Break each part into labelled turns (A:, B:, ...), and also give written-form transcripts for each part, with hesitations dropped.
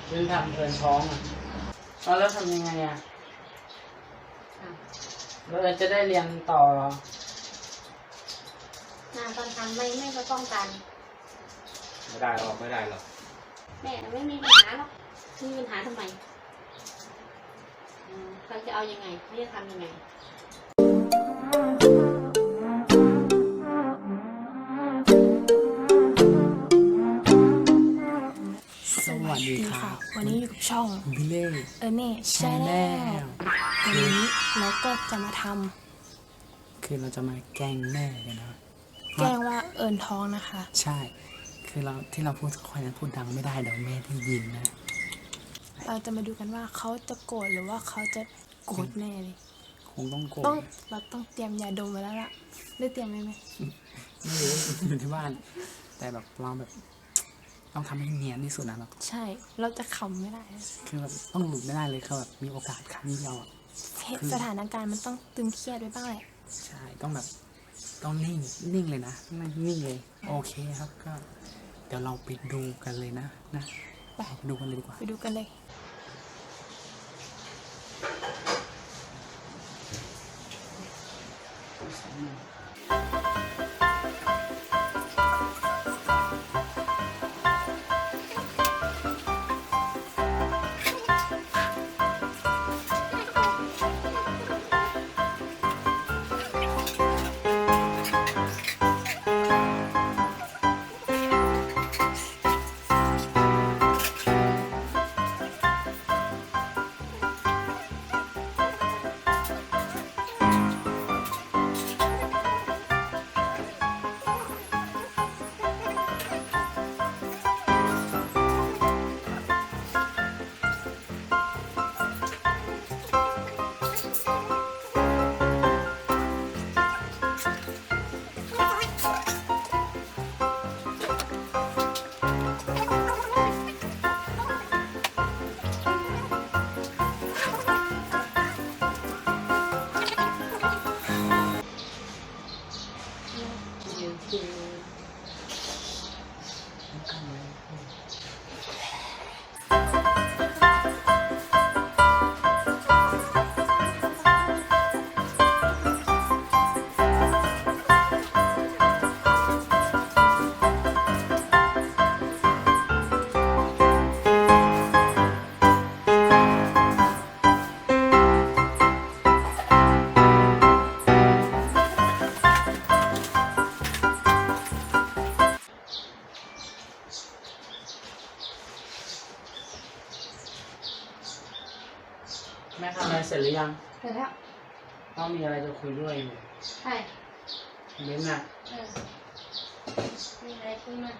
A: คือทำเพลินท้องอ่ะแล้วทำยังไงอ่ะเราจะได้เรียนต่อเหรอ
B: ตอนทำไม่ก็ป้องกัน
C: ไม่ได้หรอก
B: แม่ไม่มีปัญหาหรอกมีปัญหาทำไมเขาจะเอายังไงเขาจะทำยังไง
A: สวัสดีค่ะ
D: วันนี้อยู่กับช่อง
A: บิเล่
D: เน่ชาแนลวันนี้เราก็จะมาทำ
A: คือเราจะมาแกล้งแม่กันนะ
D: แกล้งว่าเอิญท้องนะคะ
A: ใช่คือเราพูดค่อยนั้นพูดดังไม่ได้เดี๋ยวแม่ได้ยินนะ
D: เราจะมาดูกันว่าเขาจะโกรธหรือว่าเขาจะโกรธแน่เลย
A: คงต้องโกรธ
D: เราต้องเตรียมยาดมไว้แล้วล่ะได้เตรียมไหม
A: ไม่รู้อยู่ที่บ้านแต่แบบเราแบบต้องทำให้เนียนที่สุดนะแบบ
D: ใช่เราจะขำไม่ได้
A: คือแบบต้องหลุดไม่ได้เลยคือแบบมีโอกาสครั้งเดียว
D: สถานการณ์มันต้องตึงเครียดไว้บ้างแหละ
A: ใช่ต้องแบบต้องนิ่งเลยนะนิ่งเลยโอเคครับก็เดี๋ยวเราไปดูกันเลยนะไปดูกันเลยดีกว่า
D: ไปดูกันเลย
A: แม่ทำอะไรเสร็จหรือยัง
B: เสร็จแล้ว
A: ต้องมีอะไรจะคุยด้วยอยู่
B: ใช่
A: เบ้นน่ะ
B: มีอะไรคุยมา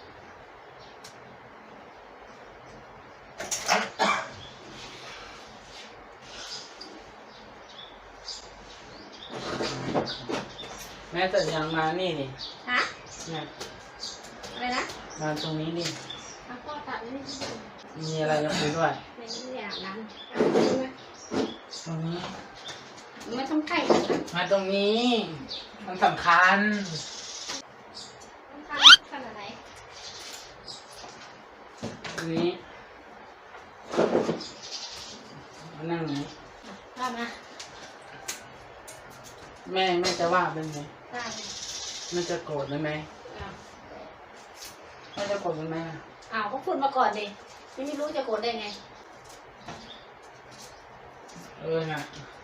A: แม่แต่ยังมานี่นี่
B: ฮะ
A: เนี่ย
B: อะไรนะ
A: มาตรงนี้นี่
B: พ่อตัดนี่
A: มีอะไรจะคุยด้วย
B: ไม่อยากนั้น
A: ตรงนี้
B: ไม่ต้องใกล้
A: มาตรงนี้มันสำคัญ
B: ขนาดไหน
A: ตรงนี้มานั่งไหน
B: ว่ามา
A: แม่จะว่าเป็นไง
B: ได้
A: แม่จะโกรธไหมแม่จะโกรธไหม
B: ก็พูดมาก่อนดิไม่รู้จะโกรธได้ไง
A: น่ะ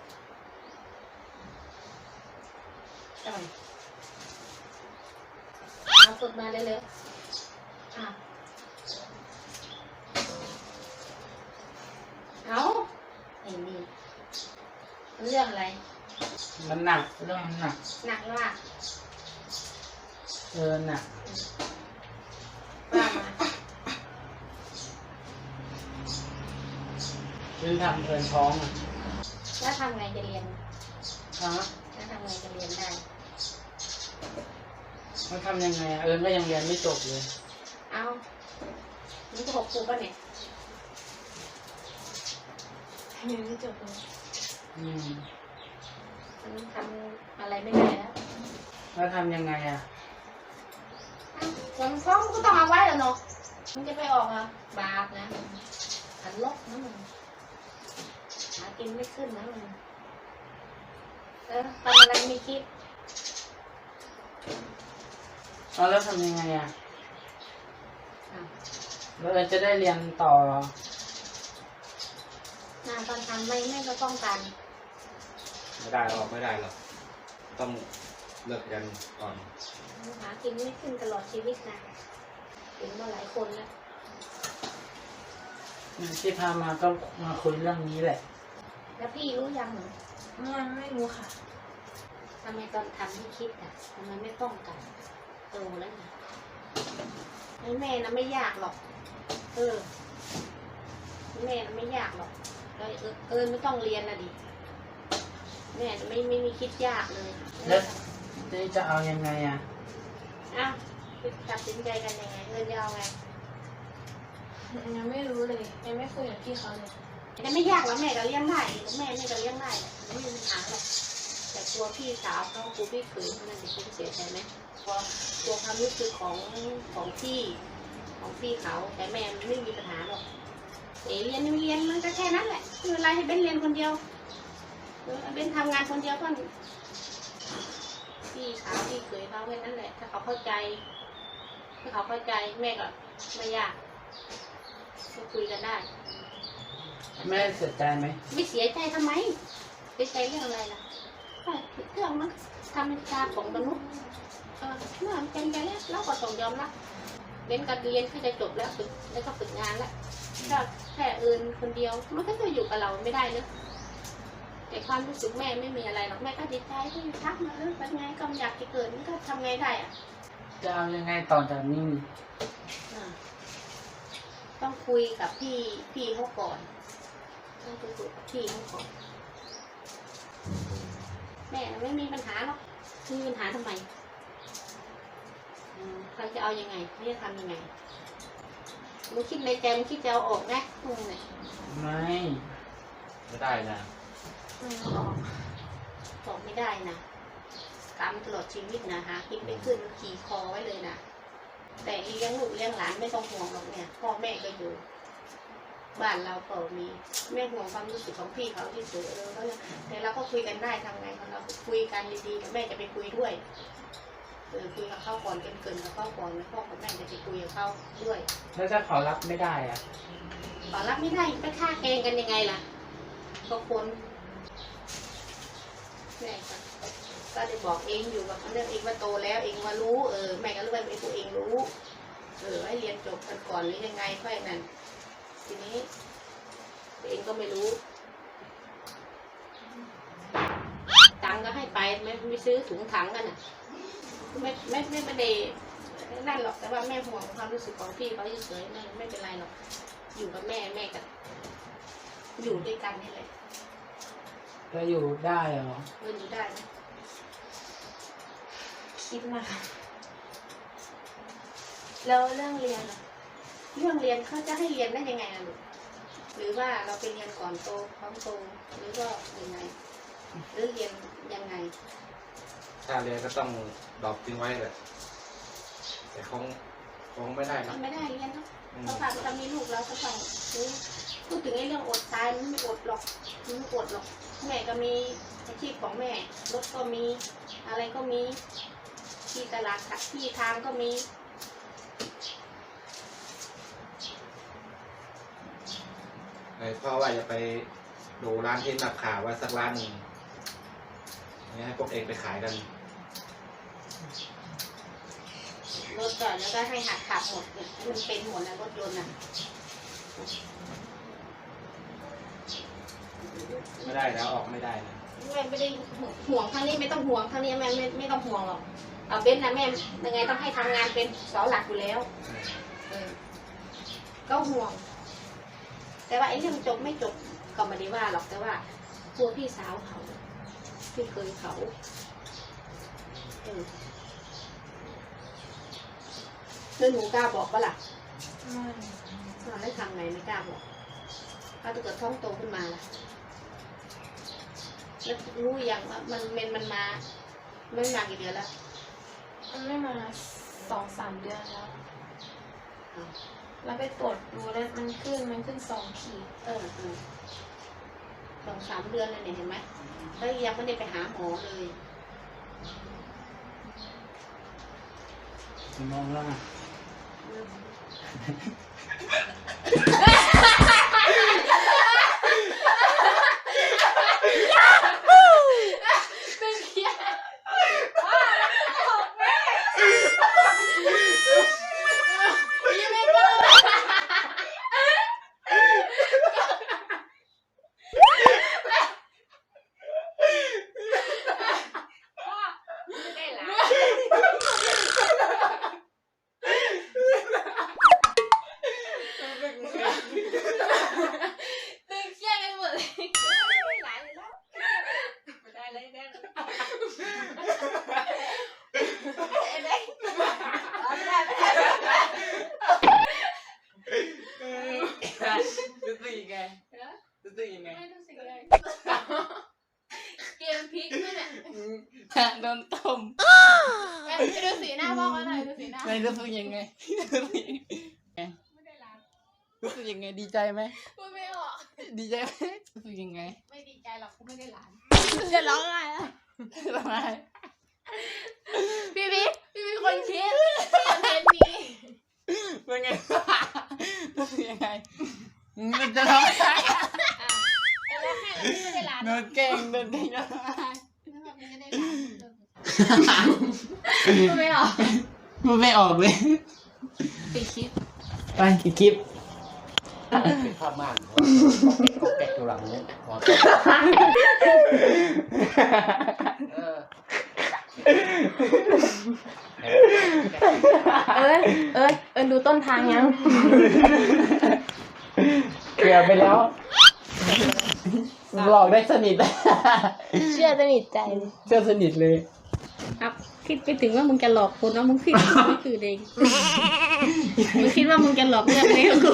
B: เอาฝึกมาเร็วๆเอาไอ้นี่เรื่องอะไร
A: มันหนักเรื่องมันหนัก
B: หนักว่า
A: หนัก
B: ว่ามา
A: คือทำเพลินท้องอ่ะ
B: แล้วทำไงจะเรียน
A: แล้ว
B: ทำไงจะเรียนได้
A: มันทำยังไงก็ยังเรียนไม่จบเลย
B: นี่ก็6 ครูป่ะเนี่ยเรียนไม่จบเลยมันทำอะไรไม่ได้
A: แล้วทำยังไง
B: มันพร้อมก็ต้องเอาไว้แล้วเนาะมันจะไปออกบาปนะนะมึงหากินไม่ขึ้นนะมึงทำอะไรไม่คิด
A: เอาแล้วทำยังไงอ่ะ
B: อ่ะ
A: เราจะได้เรียนต่อเหรอ
B: งานตอนทำไม่ก็ป้องกัน
C: ไม่ได้ออกไม่ได้หรอกต้องเลิกกันก่อน
B: หากินไม่ขึ้นตลอดชีวิตนะเห็นมาหลายคนแล้ว
A: ที่พามาก็มาคุยเรื่องนี้แหละ
B: แล้วพี่รู้ยังเหรอ
D: ยังไม่รู้ค่ะ
B: ทำไมตอนทำไม่คิดอ่ะทำไมไม่ป้องกันโตแล้วไงแม่นะไม่ยากหรอกแม่นะไม่ยากหรอกไม่ต้องเรียนนะดิแม่ไม่มีคิดยากเลย
A: แล้วจะเอายังไงอ่ะ
B: อ้าวตัดสินใจกันยังไงจะเอาไง
D: ยังไม่รู้เลยยังไม่คุยกับพี่เขาเลย
B: แต่ไม่ยากแล้วแม่ก็เลี้ยงได้แม่ก็เลี้ยงได้ไม่มีปัญหาหรอกแต่ตัวพี่สาวเขาครูพี่เขยเขานั่นจะคิดเสียใจไหมตัวความรู้สึกของพี่เขาแต่แม่มันไม่มีปัญหาหรอกเรียนไม่เรียนมันก็แค่นั้นแหละไม่เป็นไรให้เบ้นเรียนคนเดียวเบ้นทำงานคนเดียวก็พี่สาวพี่เขยเขาแค่นั้นแหละถ้าเขาเข้าใจแม่ก็ไม่ยากก็คุยกันได้
A: แม่เสียใจไหม
B: ไม่เสียใจทำไมเสียใจเรื่องอะไรล่ะเรื่องมันธรรมชาติของมนุษย์เมื่อมันเป็นไปแล้วเราก็ต้องยอมรับเรียนการเรียนก็จะจบแล้วก็ฝึกงานแล้วถ้าแค่อื่นคนเดียวมันก็จะอยู่กับเราไม่ได้เนอะแต่ความรู้สึกแม่ไม่มีอะไรหรอกแม่ก็ดีใจที่ทักมาเป็นไงก็อยากจะเกิดมันก็ทำไงได้อะ
A: จะเอายังไงต่อจากนี้
B: ต้องคุยกับพี่เขาก่อนต้องคุยกับพี่เขาก่อนแม่ไม่มีปัญหาหรอกมีปัญหาทำไมเขาจะเอายังไงเขาจะทำยังไงมึงคิดในใจมึงคิดจะเอาออกไหมมึงเนี่ย
C: ไม่ได้นะ
B: ออกไม่ได้นะกรรมตลอดชีวิตนะฮะคิดไม่ขึ้นขี่คอไว้เลยนะแต่เลี้ยงลูกเลี้ยงหลานไม่ต้องห่วงหรอกเนี่ยพ่อแม่ก็อยู่บ้านเราก็มีแม่ห่วงความรู้สึกของพี่เขาที่สุดแต่เราก็คุยกันได้ทำไงเราคุยกันดีๆกับแม่จะไปคุยด้วยคุยกับเขาก่อนเกินกับเขาก่อนแล้วพ่อกับแม่จะไปคุยกับเขาด้วย
A: แล้วถ้าเขารับไม่ได้อ่ะ
B: ขอรับไม่ได้ไปฆ่าเกงกันยังไงล่ะก็คนแม่ก็ได้บอกเองอยู่กับเรื่องเองว่าโตแล้วเองว่ารู้แม่ก็รู้ว่าไอ้ตัวเองรู้ให้เรียนจบกันก่อนหรือยังไงค่อยนั่นทีนี้ตัวเองก็ไม่รู้ตังก็ให้ไปไม่ซื้อถุงถังกันน่ะไม่ได้นั่นหรอกแต่ว่าแม่ห่วงความรู้สึกของพี่เขาเฉยๆไม่เป็นไรหรอกอยู่กับแม่กับอยู่ด้วยกันนี่แหละ
A: จะอยู่ได้เหรอ
B: อยู่ได้ไหม
D: คิดนะคะแล้วเรื่องเรียนอะ
B: เรื่องเรียนเขาจะให้เรียนได้ยังไงล่ะลูกหรือว่าเราไปเรียนก่อนโตพร้อมโตหรือว่ายังไงหรือเรียนยังไง
C: ถ้าเรียนก็ต้องดรอปทิ้งไว้แหละแต่คงไม่ได้นะ
B: ไม่ได้เรียนเนาะเพราะถ้ามีลูกเราก็ต้องพูดถึงไอ้เรื่องอดตายมันไม่อดหรอกมันไม่อดหรอกแม่ก็มีอาชีพของแม่รถก็มีอะไรก็มีที่ตลาดที่ทางก็มี
C: พ่อว่าจะไปดูร้านที่นับข่าวว่าสักร้านหนึ่งให้พวกเองไปขายกัน
B: รถก่อนแล้วก็ให้หัดขับหมดเนี่ยมันเป็นหมดนะรถยนต์อ่ะ
C: ไม่ได้แล้วออกไม่ได้นะ
B: แม่ไม่ได้ห่วงทางนี้ไม่ต้องห่วงทางนี้แม่ไม่ต้องห่วงหรอกเอาเบนนะแม่ยังไงต้องให้ทำงานเป็นเสาหลักอยู่แล้วก็ห่วงแต่ว่าไอ้เรื่องจบไม่จบก็ไม่ได้ว่าหรอกแต่ว่าตัวพี่สาวเขาพี่เคยเขาแล้วหนูกล้าบอกปะล่ะ
D: ไม่
B: ให้ทำไงไม่กล้าบอกถ้าเกิดท้องโตขึ้นมาล่ะแล้วรู้อย่างว่ามันมาไม่มากี่เดือนแล้ว
D: มันไม่มา2-3 เดือนแล้ว
B: แ
D: แล้วไปตรวจดูแล้วมันขึ้น2 ขีด
B: 2-3 เดือนเลยเนี่ยเห็นไหมแล้วยังไม่ได้ไปหาหมอเลย
A: มองแล้วนะ
D: เป็นเคี้ย
B: ไม่ได้หลาน
D: ตึงเคี้ยกันหมดเลย
B: ไม่ได้หลานเลยแล้วไม่ได้เลยแน่
A: รู้สึกยังไงรู้สึกยังไง
D: ไม่รู้สึกเลยเกมพลิกด้วยเนี่ย
A: โดนต้ม
D: ไปดูสีหน้าพ่อเขาหน่อยดูสีหน้า
A: ไม่รู้สึกยังไง
D: ไม่ได้ร้าน
A: รู้สึกยังไงดีใจไหม
D: พูดไม่ออก
A: ดีใจไหมรู้สึกยังไง
D: ไม่ดีใจหรอกกูไม่ได้ร้านจะร้องไห้แล้ว
A: ทำไม
D: พี่คนคิดคอนเทนต์นี้
A: เป็นไงรู้สึกยังไงมันจะร้องไห้
D: ไอ้ร้องไห้แล้วพี่ไม่ได้ร้าน
A: โดนแกล้งโดนแกล้งร้องไห้
D: ไม่ได้ร้านพูดไม่ออก
A: มันไม่ออกเลย
D: ปิดคลิป
A: ไปอีกคลิป
E: เป็นภาพม่านก็แกะอยู่หลังนี้พอเออ
D: เอิญดูต้นทางยัง
A: เกลียไปแล้วหลอกได้สนิท
D: เชื่อสนิทใจเลย
A: เชื่อสนิทเลย
B: ครับคิดไปถึงว่ามึงจะหลอกคนว่ามึงคิดไม่คือเองมึงคิดว่ามึงจะหลอกเรื่องนี้กับกู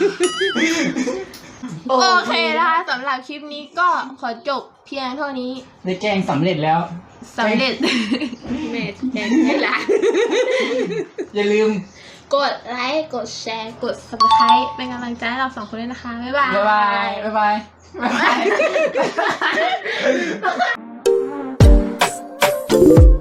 D: โอเคนะคะสำหรับคลิปนี้ก็ขอจบเพียงเท่านี้
A: ได้แกล้งสำเร็จแล้ว
D: สำเร็จ
B: แม่แทนให้หลาน
A: อย่าลืม
D: กดไลค์ กดแชร์ กด subscribe เป็นกำลังใจให้เรา2 คนด้วยนะคะ บ๊ายบาย
A: บ๊ายบายบ๊ายบายบ๊ายบาย